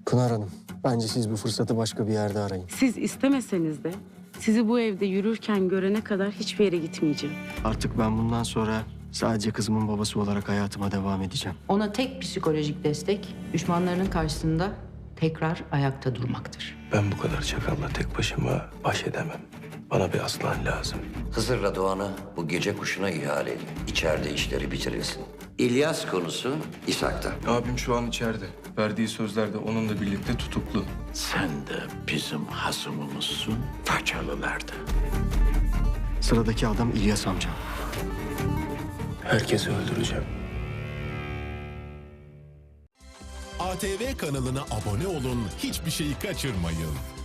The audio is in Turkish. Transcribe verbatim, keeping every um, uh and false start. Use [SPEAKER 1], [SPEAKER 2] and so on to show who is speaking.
[SPEAKER 1] Pınar Hanım, bence siz bu fırsatı başka bir yerde arayın.
[SPEAKER 2] Siz istemeseniz de sizi bu evde yürürken görene kadar hiçbir yere gitmeyeceğim.
[SPEAKER 1] Artık ben bundan sonra sadece kızımın babası olarak hayatıma devam edeceğim.
[SPEAKER 3] Ona tek psikolojik destek düşmanlarının karşısında tekrar ayakta durmaktır.
[SPEAKER 4] Ben bu kadar çakalla tek başıma baş edemem. Bana bir aslan lazım.
[SPEAKER 5] Hızır'la Doğan'ı bu gece kuşuna ihale edin. İçeride işleri bitirilsin. İlyas konusu İshak'ta.
[SPEAKER 4] Abim şu an içeride. Verdiği sözlerde onunla birlikte tutuklu.
[SPEAKER 6] Sen de bizim hasımımızsın, Façalılar'da.
[SPEAKER 1] Sıradaki adam İlyas amcam.
[SPEAKER 4] Herkesi öldüreceğim.
[SPEAKER 7] A T V kanalına abone olun, hiçbir şeyi kaçırmayın.